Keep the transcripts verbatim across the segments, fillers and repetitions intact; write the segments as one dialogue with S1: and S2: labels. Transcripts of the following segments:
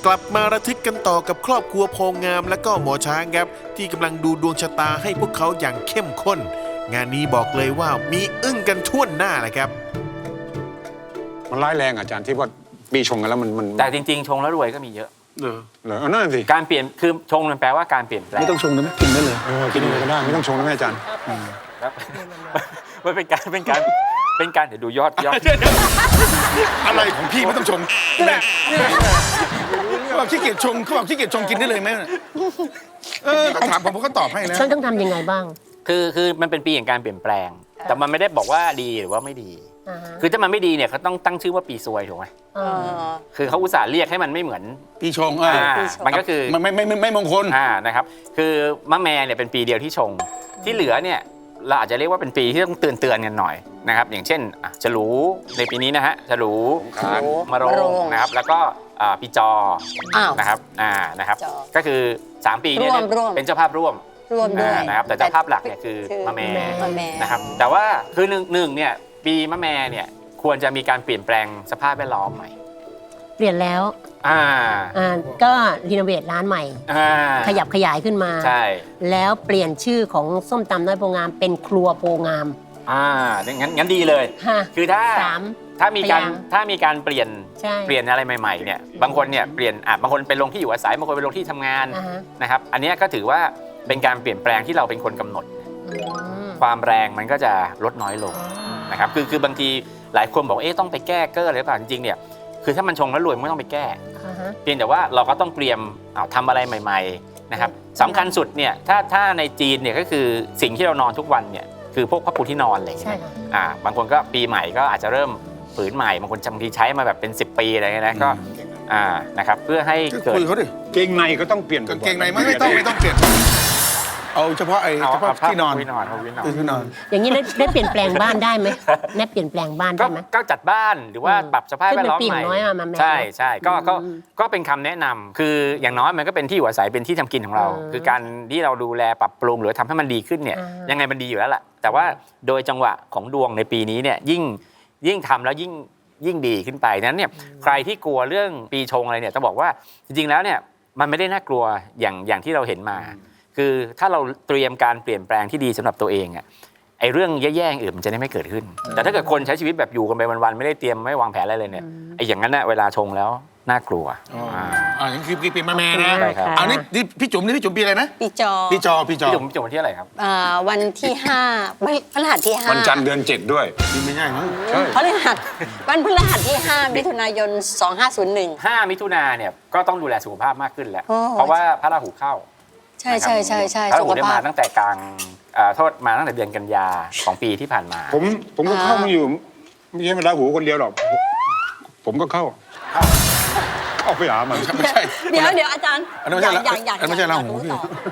S1: กลับมาระทึกกันต่อกับครอบครัวโพงามและก็หมอช้างครับที่กำลังดูดวงชะตาให้พวกเขาอย่างเข้มข้นงานนี้บอกเลยว่ามีอึ้งกันทั่วหน้าเลยครับ
S2: มันร้ายแรงอาจารย์ที่ว่าปีชงกันแล้วมันมัน
S3: แต่จริงๆชงแล้วรวยก็มีเยอะ
S1: เหรอ
S2: เหรอนั่นสิ
S3: การเปลี่ยนคือชงมันแปลว่าการเปลี่ยนแปลง
S4: ไม่ต้องชงนะกินได้เลย
S2: เออกินเลยก็ได้ไม่ต้องชงนะอาจารย์
S3: ครับมันเป็นการเป็นการเป็นการเดี๋ยวดูยอดยอด
S4: อะไรของพี่ไม่ต้องชงเนี่ยเขาบอกขี้เกียจชงเขาบอกขี้เกียจชงกินได้เลยไหมเออถามผมผมก็ตอบให้นะ
S5: ฉันต้องทำยังไงบ้าง
S3: คือคือมันเป็นปีแห่งการเปลี่ยนแปลงแต่มันไม่ได้บอกว่าดีหรือว่าไม่ดีคือถ้ามันไม่ดีเนี่ยเขาต้องตั้งชื่อว่าปีซวยถูกไหมคือเขาอุตส่าห์เรียกให้มันไม่เหมือน
S4: ปีชงอ่า
S3: มันก็คือ
S4: มันไม่ไม่ไม่ไม่มงคล
S3: อ่านะครับคือมะแม่เนี่ยเป็นปีเดียวที่ชงที่เหลือเนี่ยเราอาจจะเรียกว่าเป็นปีที่ต้องเตือนเตือนกันหน่อยนะครับอย่างเช่นฉลูในปีนี้นะฮะฉลูมะโรงนะครับแล้วก็ปีจอนะครับอ่านะครับก็คือสามปีนี้เป็นเจ้าภาพร่วม
S6: ร่วมด้วย
S3: นะครับแต่เจ้าภาพหลักเนี่ยคือมะแม่นะครับแต่ว่าคือหนึ่งหนึ่งเนี่ยปีมะแม่เนี่ยควรจะมีการเปลี่ยนแปลงสภาพแวดล้อมใหม่
S5: เปลี่ยนแล้ว
S3: อ่า
S5: อ่าก็รีโนเวทร้านใหม่ขยับขยายขึ้นมา
S3: ใช่
S5: แล้วเปลี่ยนชื่อของส้มตำน้อยโพงามเป็นครัวโพงาม
S3: อ่างั้นงั้นดีเลยคือถ้าถ้ามีการถ้ามีการเปลี่ยนเปลี่ยนอะไรใหม่ๆเนี่ยบางคนเนี่ยเปลี่ยนอ่ะบางคนเป็นลงที่อยู่อาศัยบางคนเป็นลงที่ทำงานนะครับอันนี้ก็ถือว่าเป็นการเปลี่ยนแปลงที่เราเป็นคนกำหนดความแรงมันก็จะลดน้อยลงนะครับคือคือบางทีหลายคนบอกเอ๊ะต้องไปแก้เกอร์อะไรหรือเปล่าจริงๆเนี่ยคือถ้ามันชงแล้วรวยไม่ต้องไปแก้เพียงแต่ว่าเราก็ต้องเตรียมทำอะไรใหม่ๆนะครับสำคัญสุดเนี่ยถ้าถ้าในจีนเนี่ยก็คือสิ่งที่เรานอนทุกวันเนี่ยคือพวกผ้าปูที่นอนอะไรอย่างเงี้ยอ่าบางคนก็ปีใหม่ก็อาจจะเริ่มผืนใหม่บางคนบางทีใช้มาแบบเป็นสิบปีอะไรเงี้ยนะก็อ่านะครับเพื่อให้เกิด
S2: เกงในก็ต้องเปลี่ยน
S4: เกงในไม่ไม่ต้องไม่ต้องเปลี่ยนเอาเฉพาะไอ้เฉพาะที่นอน
S3: ที่นอน
S4: ที่นอน
S5: อย่างนี้ได้ได้เปลี่ยนแปลงบ้านได้ไหมได้เปลี่ยนแปลงบ้านได้ไหม
S3: ก็จัดบ้านหรือว่าปรับสภาพแวดล้อมใหม่ใช่ใช่ก็ก็ก็เป็นคำแนะนำคืออย่างน้อยมันก็เป็นที่อยู่อาศัยเป็นที่ทำกินของเราคือการที่เราดูแลปรับปรุงหรือทำให้มันดีขึ้นเนี่ยยังไงมันดีอยู่แล้วแหละแต่ว่าโดยจังหวะของดวงในปีนี้เนี่ยยิ่งยิ่งทำแล้วยิ่งยิ่งดีขึ้นไปนั้นเนี่ยใครที่กลัวเรื่องปีชงอะไรเนี่ยต้องบอกว่าจริงๆแล้วเนี่ยมันไม่ได้น่ากลัวอย่างอย่างที่เราเห็นมาคือถ้าเราเตรียมการเปลี่ยนแปลงที่ดีสำหรับตัวเองอ่ะไอ้เรื่องแย่ๆอื่นมันจะได้ไม่เกิดขึ้นแต่ถ้าเกิดคนใช้ชีวิตแบบอยู่กันไปวันๆไม่ได้เตรียมไม่วางแผนอะไรเลยเนี่ยไอ้อย่างนั้นน่ะเวลาชงแล้วน่ากลัว
S4: อ่าอ่านี่คือปีมะแม่นะอันนี้นี่พี่จุ๋มนี่พี่จุ๋มปีอะไรนะ
S6: ปีจอ
S4: ปีจอปีจอ
S3: พี่จุ๋มจุ๋มวันที่อะไรครับ
S6: อ่าวันที่ห้าวันพฤหัสที่ห้า
S2: วันจันทร์เดือนเจ็ดด้วย
S4: ไม่ใช่มั้ง
S6: ใช่พฤหัสวันพฤหัสที่ห้ามิถุนายนสองห้าศูนย์หนึ่ง
S3: ห้ามิถุนาเนี่ยก็ต้องดูแลสุขภาพมากขึ้นแล้วเพราะว่าพระราหูเข้า
S6: ใช่ใช่ใช่ใช่
S3: พระราหูได้มาตั้งแต่กลางโทษมาตั้งแต่เดือนกันยาของปีที่ผ่านมา
S2: ผมผมก็เข้ามาอยู่ไม่ใช่พระราหูคนเดียวหรอกผมก็เข้าเข้าไปหามัน
S4: ไม่ใช่
S6: เดี๋ยวเดี๋ยวอาจารย์
S4: อันนั้นไม่ใช่
S6: อยากอยาก
S4: ไม่ใช่ราหูพี่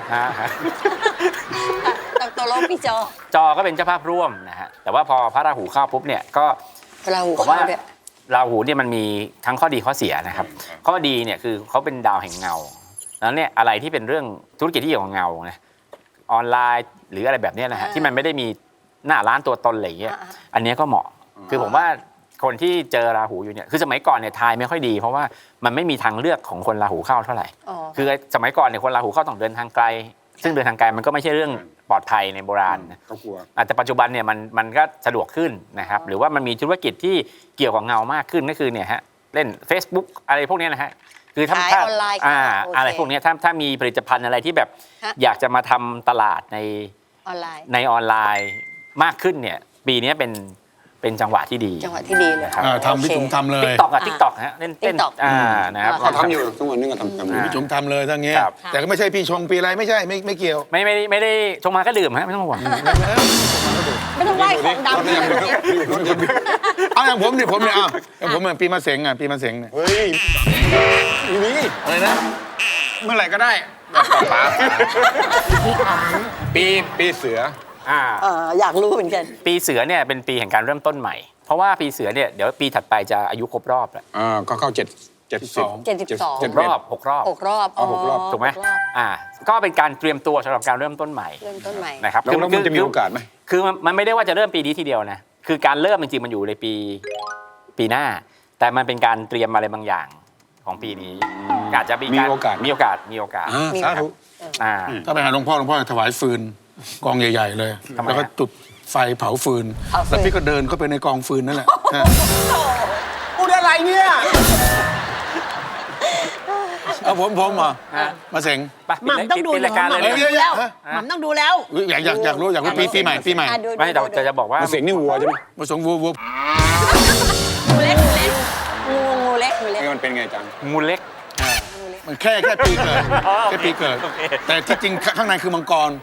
S6: ตัวโลกปีจอ
S3: จอก็เป็นเจ้าภาพร่วมนะฮะแต่ว่าพอพระราหูเข้าปุ๊บเนี่ยก็
S6: ราหู
S3: ผมว่าราหูเนี่ยมันมีทั้งข้อดีข้อเสียนะครับข้อดีเนี่ยคือเขาเป็นดาวแห่งเงาแล้วเนี่ยอะไรที่เป็นเรื่องธุรกิจที่เกี่ยวกับเงานะออนไลน์หรืออะไรแบบนี้นะฮะที่มันไม่ได้มีหน้าร้านตัวตนอะไรอย่างเงี้ยอันนี้ก็เหมาะคือผมว่าคนที่เจอราหูอยู่เนี่ยคือสมัยก่อนเนี่ยทายไม่ค่อยดีเพราะว่ามันไม่มีทางเลือกของคนราหูเข้าเท่าไหร่คือสมัยก่อนเนี่ยคนราหูเข้าต้องเดินทางไกลซึ่งเดินทางไกลมันก็ไม่ใช่เรื่องปลอดภัยในโบราณนะแต่ปัจจุบันเนี่ยมันมันก็สะดวกขึ้นนะครับหรือว่ามันมีธุรกิจที่เกี่ยวกับเงามากขึ้นก็คือเนี่ยฮะเล่น Facebook อะไรพวกนี้นะฮะคือถ้าถ้าอ่าอะไรพวกนี้ถ้าถ้ามีผลิตภัณฑ์อะไรที่แบบอยากจะมาทำตลาดใน
S6: ออนไลน์
S3: ในออนไลน์มากขึ้นเนี่ยปีนี้เป็นเป็นจังหวะที่ดี
S6: จังหวะที่ดีเลย
S3: ครับ
S4: ทำพี่จุ๋มทำเลย
S3: ติ๊กต็อกอะติ๊กต็อกฮะเล่นเต้นอ่านะครับ
S2: เขาทำอยู่ทุกวันนี้ก็ทำ
S4: พี่จุ๋มทำเลยทั้งนี้แต่ก็ไม่ใช่พี่ชงปีอะไรไม่ใช่ไม่ไม่เกี่ยว
S3: ไม่ไม่ไม่ได้ชงมาก็ดื่มฮะไม่ต้องห่วง
S6: ไม่ต้องไหว้ของดำ
S4: เอาอย่างผมเนี่ยผมเนี่ยอ้าวอย่างผมเนี่ยปีมะเสงอ่ะปีมะเสงเนี่ย
S2: เฮ้ยนี่
S4: อะไรนะ
S2: เมื่อไหร่ก็ได้แบบป๋าปีปีเสือ
S3: อ่า
S6: อยากรู้เหมือนกัน
S3: ปีเสือเนี่ยเป็นปีแห่งการเริ่มต้นใหม่เพราะว่าปีเสือเนี่ยเดี๋ยวปีถัดไปจะอายุครบรอบแล้ว
S2: อ่าก็เข้าเจ็ดเจ็ดสิบสอง
S6: เจ็ดสิบสอง
S3: เจ็ดรอบหกรอบ
S6: หกรอบ
S2: อ๋อหกรอบ
S3: ถูกไหมอ่าก็เป็นการเตรียมตัวสำหรับการเริ่มต้นใหม่
S6: เริ่มต้นใหม่
S3: นะครับ
S2: แล้วมันจะมีโอกาสไหม
S3: คือมันไม่ได้ว่าจะเริ่มปีนี้ทีเดียวนะคือการเริ่มจริงๆมันอยู่ในปีปีหน้าแต่มันเป็นการเตรียมอะไรบางอย่างของปีนี้อาจจะมี
S2: มี
S3: การ
S2: โอกาส
S3: มีโอกาสมีโอกาส
S2: อ่าสาธุ
S3: อ่า
S4: ถ้าไปหาหลวงพ่อหลวงพ่อจะถวายฟืนกองใหญ่ ๆ เลย
S3: ทำไมฮะ
S4: แล้วก็จุดไฟเผาฟืน
S6: เผาฟืน
S4: แล้วพี่ก็เดินเข้าไปในกองฟืนนั่นแหละฮะ
S5: พูดอะไรเนี่ย
S4: เอาผมผมเหรอ
S3: ฮะ
S4: มาเสง
S3: ไป
S5: หม่ำต้องดู
S3: ปิดรายการเลย
S5: หม่ำ
S3: นะ
S5: ต้องดูแล้ว
S4: ฮะ
S5: หม่ำต้องดูแล้ว
S4: อุ๊ยอยากอยากอยากรู้อยากรู้ปีปีใหม่ปีใหม่
S6: อ่ะดู
S3: ไม่แต่
S6: ดู
S3: แต่จะบอกว่า
S2: มาเสียงนี่วัวใช่ไหม
S4: มาสงวัววัว
S6: งูเล็กงูเล็กงูงูเล็กงูเล็ก
S2: นี่มันเป็นไงจัง
S3: งูเล็ก
S4: มันแค่แค่ปีเกิด
S3: อ๋อ
S4: แค่ปีเกิด
S3: โอเค
S4: แต่ที่จริงข้างในคือมังกร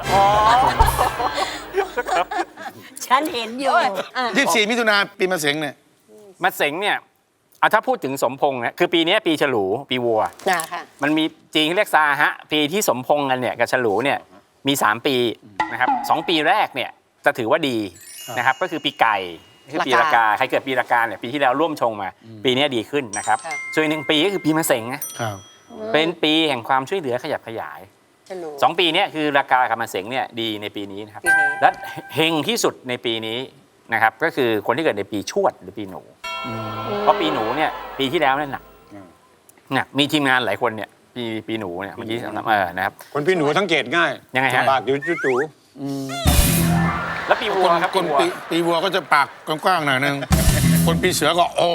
S5: ฉันเห็นอยู่
S6: อ่ะ
S4: ยี่สิบสี่มิถุนาปีมะเสงเนี่ย
S3: มาเสงเนี่ยเอาถ้าพูดถึงสมพงษ์เนี่ยคือปีนี้ปีฉลูปีวัว
S6: นะค่ะ
S3: มันมีจีนเขาเรียกซาฮะปีที่สมพงษ์กันเนี่ยกับฉลูเนี่ยมีสามปีนะครับสองปีแรกเนี่ยจะถือว่าดีนะครับก็คือปีไก่คือปีละกาใครเกิดปีละกาเนี่ยปีที่แล้วร่วมชงมา ปีนี้ดีขึ้นนะครับส่วนอีกหนึ่งปีก็คือปีมะเสงนะครับ เป็นปีแห่งความช่วยเหลือขยับขยาย
S6: จะรู้
S3: สองปีเนี้คือราคากับมะเสงเนี่ยดีในปีนี้นะครับ
S6: ปีนี้
S3: และเฮงที่สุดในปีนี้นะครับก็คือคนที่เกิดในปีชวดหรือปีหนูเพราะปีหนูเนี่ยปีที่แล้วเนี่ยหนักหนักมีทีมงานหลายคนเนี่ยปีปีหนูเนี่ยเมื่อกี้เออนะครับ
S2: คนพี่หนูสังเกตง่าย
S3: ยังไงฮะ
S2: ปากอยู่จู่
S3: แล้วปีวัวครับ
S4: คน
S3: ปีวัว
S4: ปีปีวัวก็จะปากกว้างๆหน่อยนึง คนปีเสือก็โอ้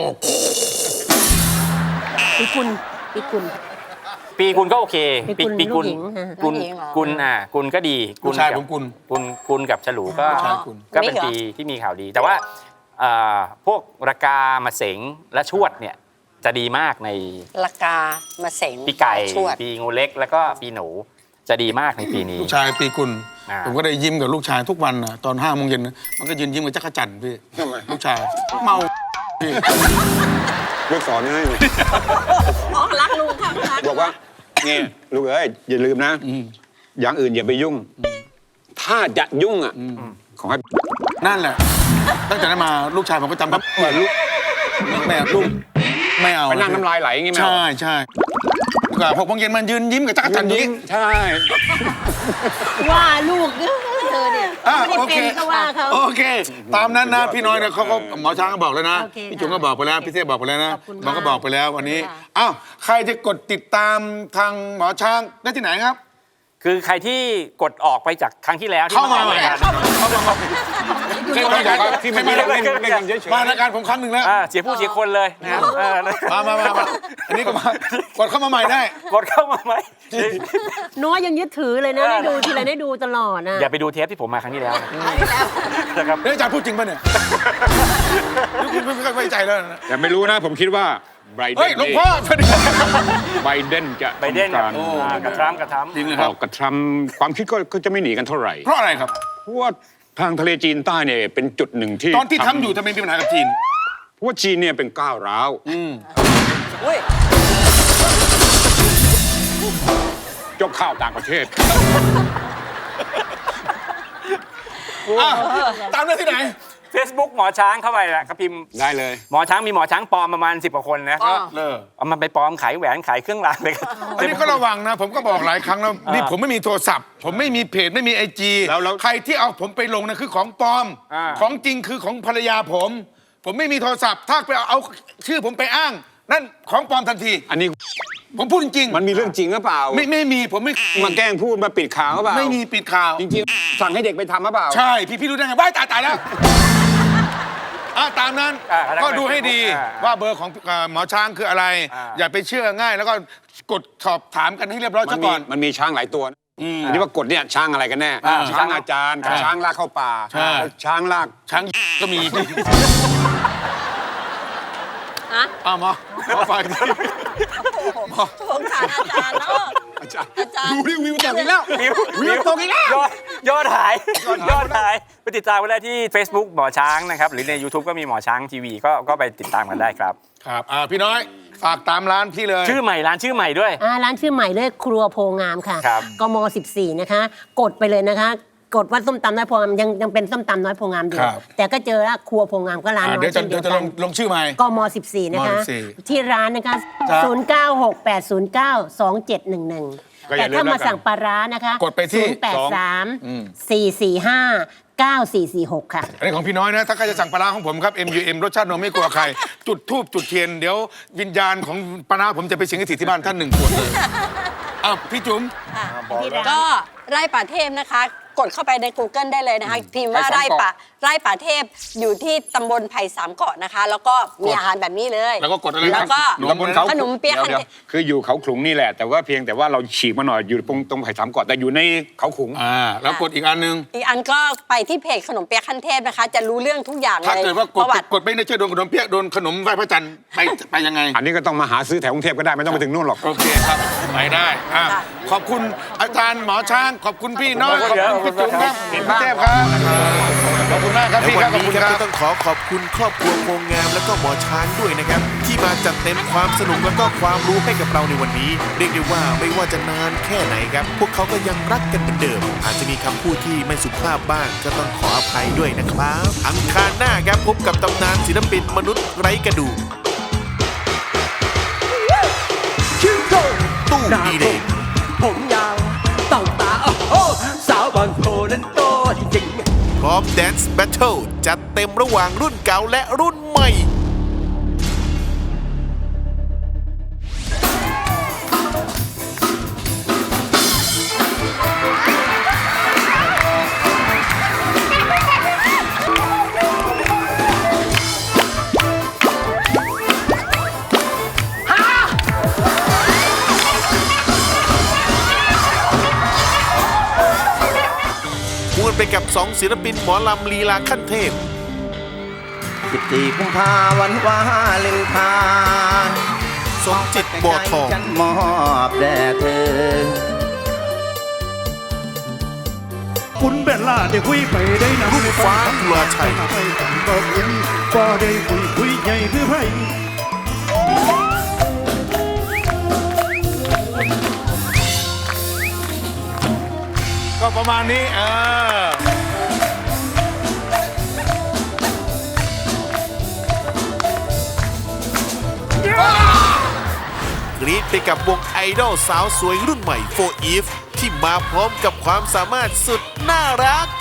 S5: ปีกุลปีกุล
S3: ปีกุลก็โอเค
S5: ปีกุล
S3: ปีกุล
S5: ลูกหญิงฮะ
S3: กุล
S6: ลูกหญิงเหรอ
S3: กุลอ่ากุลก็ดี
S4: ลูกชาย
S3: กั
S4: ผมกุล
S3: กุลกุลกับฉลูก็
S4: ลูกชายกุล
S3: ก็เป็น
S6: นี่เหรอ
S3: ปีที่มีข่าวดี แต่ว่าเอ่อพวกรากามะเสงและชวดเนี่ยจะดีมากใน
S6: ละกามาเสง
S3: ปีไก่
S6: ชวด
S3: ปีงูเล็กแล้วก็ปีหนูจะดีมากในปีนี้
S4: ลูกชายปีกุล
S3: อ่า
S4: ผมก็ได้ยิ้มกับลูกชายทุกวันนะตอนห้าโมงเย็นนะมันก็ยืนยิ้มกับจักรจันทร์พี่
S2: ๆทำไม
S4: ลูกชายเมาพี่
S2: ลูกสอนให้เลย
S6: อ๋อรักลุงค่ะรัก
S2: บอกว่าเนี่ยลูกเอ้ยอย่าลืมนะ อย่างอื่นอย่าไปยุ่ง ถ้าจะยุ่งอ่ะขอให้
S4: นั่นแหละ ตั้งแต่นั้นมาลูกชายผมก็จำครับเหมือนลูกแม่ลูกไม่เอา
S2: ไปนั่งน้ำลายไหลอย่างงี้ไหม
S4: ใช่ใช่กว่าหกโมงเย็นมันยืนยิ้มกับจักรจันทร์อย่าง
S2: ยิ้
S4: นี้
S2: มใช่
S5: ว่าลูกเธอเนี่ย
S4: อ่ะ
S5: ไม่ได้
S4: โอเค
S5: เป็นก็ว่าเขา
S4: โอเค ตามนั้นนะพี่น้อยเนี่ยเขาก็หมอช้างก็บอกแล้วนะ
S5: โอเค
S4: พี่จุ๋มก็บอกไปแล้วพี่เทพบอกไปแล้วนะ
S5: ขอบคุณ
S4: หมอก็
S5: มาก
S4: บอกไปแล้ววันนี้
S5: ค่ะ
S4: อ้าวใครจะกดติดตามทางหมอช้างได้ที่ไหนครับ
S3: คือใครที่กดออกไปจากครั้งที่แล้วที่
S4: เข้ามา
S3: อ
S4: ให
S3: อก
S4: ม่
S3: รายการ
S4: เข้ามาใหม่เคยมาจาก
S2: ที่มันเล่นเล่นเล่นกันเฉยๆ
S4: มารายการผมครั้งหนึ่งแล้ว
S3: อ่าเสียผู้เสียคนเลยนะครับเออ
S4: มามามามาอันนี้ก็มากดเข้ามาใหม่ได้
S3: กดเข้ามาไหม
S5: น้อยยังยึดถือเลยนะ
S3: เออ
S5: ได้ดูทีไรได้ดูตลอดนะ
S3: อย่าไปดูเทปที่ผมมาครั้งที่แล้วนะครับ
S4: เฮ้ยอาจารย์พูดจริงป่ะเนี่ยคุณไม่ค่อยไว้ใจแล้วนะ
S2: แต่ไม่รู้นะผมคิดว่าไบเด
S4: เฮ้ย
S2: น
S4: หลวงพ่อสวัสดี
S2: ไบเดนจะ
S3: ไบเดน
S2: ทำการ
S3: อ่ากระทรัมป์กระทรัมป์
S4: จริงเลยค
S2: อ
S4: รับ
S2: อกกระทำความคิดก็ก็จะไม่หนีกันเท่าไหร่
S4: เพราะอะไรครับ
S2: เพราะว่าทางทะเลจีนใต้เนี่ยเป็นจุดหนึ่งที่
S4: ตอนที่ทำอยู่ทำไมมีปัญหากับจีน
S2: เพราะว่าจีนเนี่ยเป็นก้าวร้าว
S6: อุ้ย
S2: ยกข้าวต่างประเทศ
S4: อ่ะตามได้ที่ไหน
S3: Facebook หมอช้างเข้าไปนะก็พิมพ์
S2: ได้เลย
S3: หมอช้างมีหมอช้างปลอมประมาณสิบกว่าคนนะ
S4: เลอ
S3: เอามันไปปลอมขายแหวนขายเครื่องรางเลยครับ
S4: อันนี้ก็ระวังนะ ผมก็บอกหลายครั้งแล้วนี่ผมไม่มีโทรศัพท์ ผมไม่มีเพจไม่มีไอจี
S2: แล้วแล้ว
S4: ใครที่เอาผมไปลงนะคือของปลอม
S3: อ่า
S4: ของจริงคือของภรรยาผม ผมไม่มีโทรศัพท์ ถ้าไปเอาเอาชื่อผมไปอ้าง นั่นของปลอมทันที
S2: อันนี้
S4: ผมพูดจริงๆ
S2: มันมีเรื่องจริงหรือเปล่า
S4: ไม่ไม่มีผมไม่
S2: มาแกล้งพูดมาปิดข่าวหรือเปล่า
S4: ไม่มีปิดข่าว
S2: จริงๆสั่งให้เด็กไปทำหรือเปล่า
S4: ใช่ พี่พี่รู้ได้ไงว้ายตายตายแล้วอ่ะตามนั้น
S3: อ่า
S4: ก็ดูให้ดี
S3: อ่า
S4: ว่าเบอร์ของเอ่อหมอช้างคืออะไร
S3: อ่า
S4: อย่าไปเชื่อง่าย แล้วก็กดสอบถามกันให้เรียบร้อย
S2: มั
S4: ซะ
S2: นมี
S4: ก่อน
S2: มันมีช้างหลายตัวนะอันนี้ว่ากฎเนี่ยช้างอะไรกันแน่
S4: อ่า
S2: ช้างอาจารย์กับ
S4: ใช่
S2: ช้างลากเข้าป่า
S4: ใช่
S2: แล้วช้างลาก
S4: ช้างก็มี
S6: อะ
S4: อ้าวหมอหมอฟังดิ
S6: สงสารอาจารย์เนาะ
S2: อาจารย์
S6: อาจารย์
S2: ดูดิวิวตกอีกแล้ว
S3: วิว
S2: วิวตกอีกแล้ว
S3: ยอดยอดหายยอดหายไปติดตามกันได้ที่ Facebook หมอช้างนะครับหรือใน YouTube ก็มีหมอช้างทีวีก็ก็ไปติดตามกันได้ครับ
S4: ครับอ่าพี่น้อยฝากตามร้านพี่เลย
S3: ชื่อใหม่ร้านชื่อใหม่ด้วย
S5: อ่าร้านชื่อใหม่เลยครัวโพงามค่ะ
S3: ครับ
S5: กมสิบสี่นะคะ กดไปเลยนะคะ กดว่าส้มตำน้อยโพงามยังยังเป็นส้มตำน้อยโพงามอยู่
S4: ครับ
S5: แต่ก็เจอว่าครัวโพงามก็ร้าน
S4: อ่า
S5: น้อ
S4: เดี๋ย
S5: ยว
S4: จะ
S5: เช่นเดี
S4: เดี๋ย
S5: ยว ว
S4: จะ
S5: กั
S4: ล
S5: น
S4: งลงชื่อใหม่
S5: กมสิบสี่นะคะ
S4: มสิบสี่
S5: ที่ร้านนะคะ
S4: ครับ
S5: ศูนย์ เก้า หก แปด ศูนย์ เก้า สอง เจ็ด หนึ่ง หนึ่ง
S2: ก็อ
S5: แต่
S2: ย่าลืม
S5: ถ้ามา
S2: แล้วกัน
S5: สั่งปลาร้านะคะ
S4: กดไปที่
S5: ศูนย์ แปด สาม
S4: อืม
S5: สี่ สี่ ห้าเก้าสี่สี่หกค่ะ
S4: อันนี้ของพี่น้อยนะ ถ้าใครจะสั่งปลาร้าของผมครับ เอ็ม ยู เอ็ม รสชาตินมไม่กลัวใคร จุดทูบจุดเทียน เดี๋ยววิญญาณของปลาร้าผมจะไปสิงสถิตที่บ้านท่านหนึ่งขวดเลยอ้าวพี่จุ๋ม
S6: ก็ไร่ป่าเทพนะคะ กดเข้าไปใน Google ได้เลยนะคะ พิมพ์ว่า
S3: ไร่
S6: ไร่
S3: สามเกาะ
S6: ป่าไร่ป่าเทพอยู่ที่ตำบลไผ่สามเกาะนะคะ แล้วก็มีอาหารแบบนี้เลย
S4: แล้วก็กดอะไรนะ
S6: แล้วก็
S4: อยู่ตำบลเขา
S6: ขนมเปี๊ยะ
S2: เดี๋ยวๆคืออยู่เขาขลุงนี่แหละ แต่ว่าเพียงแต่ว่าเราฉีกมาหน่อยอยู่ตรงตรงไผ่สามเกาะแต่อยู่ในเขาขลุง
S4: อ่า แล้วกดอีกอันหนึง
S6: อีกอันก็ไปที่เพจขนมเปี๊ยะขั้นเทพนะคะ จะรู้เรื่องทุกอย่างเลย
S4: ถ้าเกิดว่าก
S6: ป
S4: ด
S6: ระวัติ
S4: กดไม่ได้เชื่อโดนขนมเปี๊ยะโดนขนมไหว้พระจันทร์ไปไปยังไง
S2: อันนี้ก็ต้องมาหาซื้อแถวกรุงเทพก็ได้ไม่ต้องไปถึงนู่นหรอก
S4: โอเคครับไปได้อ่ะขอบคุณอาจารย์หมอช้าง ขอบคุณพี่น้อยขอบคุณพี่จุ๋มครับเห็นพี่เทพครับขอบคุณมากครับ
S1: และ
S4: พี่
S1: วั
S4: ครับ
S1: น
S4: ขอบ
S1: นี้
S4: คุณ
S1: ครับ
S4: ครั
S1: ก็
S4: บ
S1: ต้องขอขอบคุณครอบครัวโพงามและก็หมอช้างด้วยนะครับ ที่มาจัดเต็มความสนุกและก็ความรู้ให้กับเราในวันนี้ เรียกได้ว่าไม่ว่าจะนานแค่ไหนครับ พวกเขาก็ยังรักกันเหมือนเดิม อาจจะมีคำพูดที่ไม่สุภาพบ้าง ก็ต้องขออภัยด้วยนะครับ อังคารหน้าครับพบกับตำนานศิลปินมนุษย์ไร้กระดูกตู้ดีเดย์
S7: ผมยาวต้องตาโอ้โหสาวบางโพนั้นโตจริงๆ
S1: พร้อมแดนซ์แบทเทิลจัดเต็มระหว่างรุ่นเก่าและรุ่นใหม่ มวนไปกับสองศิลปินหมอลำลีลาขั้นเทพ
S7: สิบสี่กุมภาวันวาเลนไทน์
S1: สมจิตบัวทอง
S7: ฉันมอบแด่เธอ
S8: คุณเบลล่าได้คุยไปได้นะ
S1: รุ่งฟ้าจุฬาชัย
S8: ไปกันก็คุยก็ได้คุยคุยใหญ่คือไพ่
S4: ก็ประมาณนี้เออ
S1: กรี๊ดไปกับวงไอดอลสาวสวยรุ่นใหม่ โฟร์ อีฟ ที่มาพร้อมกับความสามารถสุดน่ารัก